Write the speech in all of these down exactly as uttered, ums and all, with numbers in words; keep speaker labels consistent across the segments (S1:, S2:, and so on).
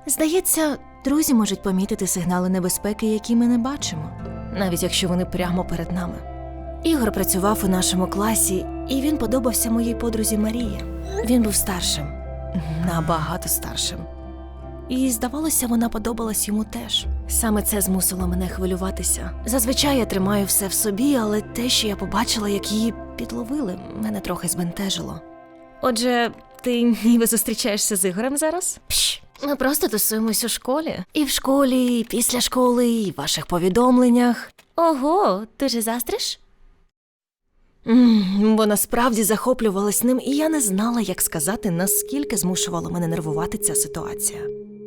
S1: Здається, друзі можуть помітити сигнали небезпеки, які ми не бачимо, навіть якщо вони прямо перед нами. Ігор працював у нашому класі, і він подобався моїй подрузі Марії. Він був старшим, набагато старшим. І, здавалося, вона подобалась йому теж. Саме це змусило мене хвилюватися. Зазвичай я тримаю все в собі, але те, що я побачила, як її підловили, мене трохи збентежило. Отже, ти ніби зустрічаєшся з Ігорем зараз? Пш, ми просто тусуємось у школі. І в школі, і після школи, і в ваших повідомленнях. Ого, ти же заздриш? Бо насправді захоплювалась ним, і я не знала, як сказати, наскільки змушувала мене нервувати ця ситуація.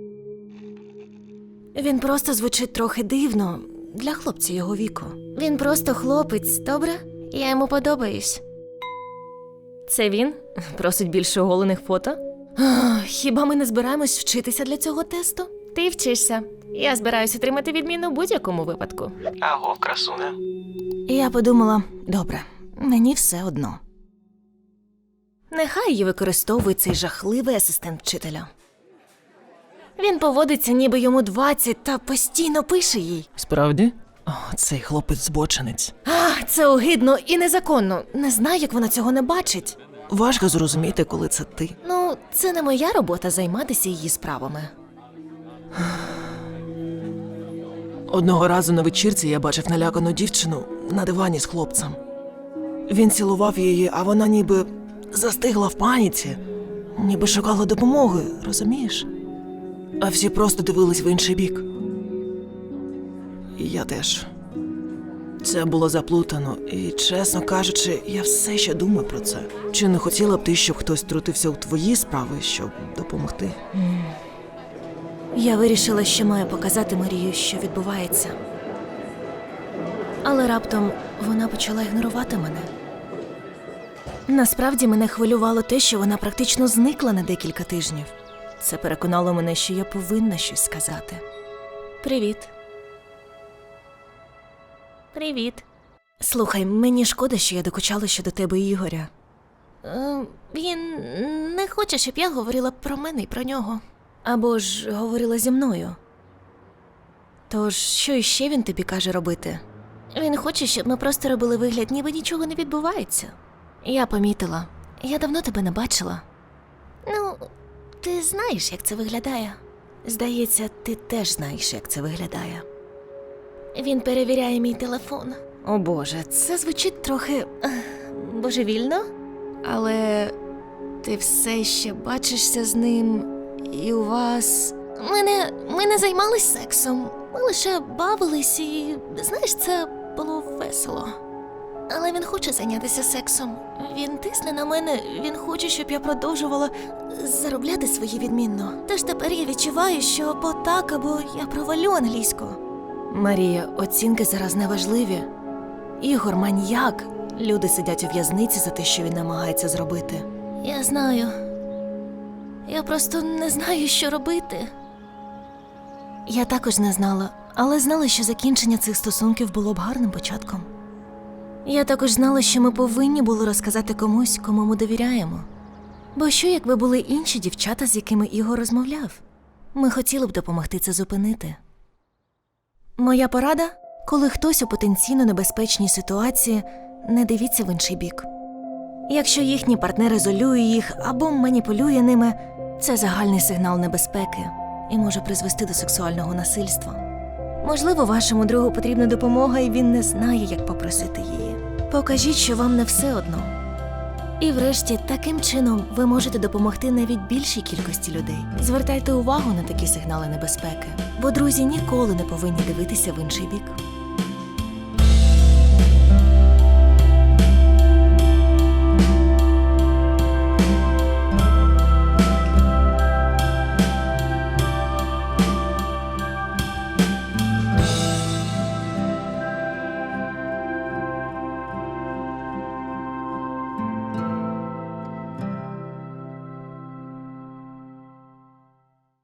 S1: Він просто звучить трохи дивно для хлопця його віку. Він просто хлопець, добре? Я йому подобаюсь. Це він? Просить більше оголених фото? Ах, хіба ми не збираємось вчитися для цього тесту? Ти вчишся. Я збираюсь отримати відміну в будь-якому випадку.
S2: Аго, красуне.
S1: І я подумала, добре, мені все одно. Нехай її використовує цей жахливий асистент вчителя. Він поводиться, ніби йому двадцять, та постійно пише їй.
S2: Справді? О, цей хлопець-збочинець.
S1: А, це огидно і незаконно. Не знаю, як вона цього не бачить.
S2: Важко зрозуміти, коли це ти.
S1: Ну, це не моя робота займатися її справами.
S2: Одного разу на вечірці я бачив налякану дівчину на дивані з хлопцем. Він цілував її, а вона ніби застигла в паніці, ніби шукала допомоги, розумієш? А всі просто дивились в інший бік. І я теж. Це було заплутано, і, чесно кажучи, я все ще думаю про це. Чи не хотіла б ти, щоб хтось втрутився у твої справи, щоб допомогти?
S1: Я вирішила, що маю показати Марію, що відбувається. Але раптом вона почала ігнорувати мене. Насправді мене хвилювало те, що вона практично зникла на декілька тижнів. Це переконало мене, що я повинна щось сказати. Привіт. Привіт. Слухай, мені шкода, що я докучала щодо тебе Ігоря. Е, він не хоче, щоб я говорила про мене і про нього. Або ж говорила зі мною. Тож, що іще він тобі каже робити? Він хоче, щоб ми просто робили вигляд, ніби нічого не відбувається. Я помітила. Я давно тебе не бачила. Ну, ти знаєш, як це виглядає. Здається, ти теж знаєш, як це виглядає. Він перевіряє мій телефон. О Боже, це звучить трохи ех, божевільно. Але ти все ще бачишся з ним, і у вас... Ми не, ми не займались сексом. Ми лише бавились і, знаєш, це було весело. Але він хоче зайнятися сексом. Він тисне на мене, він хоче, щоб я продовжувала заробляти свої відмінно. Тож тепер я відчуваю, що або так, або я провалю англійську. Марія, оцінки зараз не важливі. Ігор маньяк. Люди сидять у в'язниці за те, що він намагається зробити. Я знаю. Я просто не знаю, що робити. Я також не знала, але знала, що закінчення цих стосунків було б гарним початком. Я також знала, що ми повинні були розказати комусь, кому ми довіряємо. Бо що, якби були інші дівчата, з якими Ігор розмовляв? Ми хотіли б допомогти це зупинити. Моя порада? Коли хтось у потенційно небезпечній ситуації, не дивіться в інший бік. Якщо їхній партнер ізолює їх або маніпулює ними, це загальний сигнал небезпеки і може призвести до сексуального насильства. Можливо, вашому другу потрібна допомога, і він не знає, як попросити її. Покажіть, що вам не все одно. І врешті, таким чином ви можете допомогти навіть більшій кількості людей. Звертайте увагу на такі сигнали небезпеки, бо друзі ніколи не повинні дивитися в інший бік.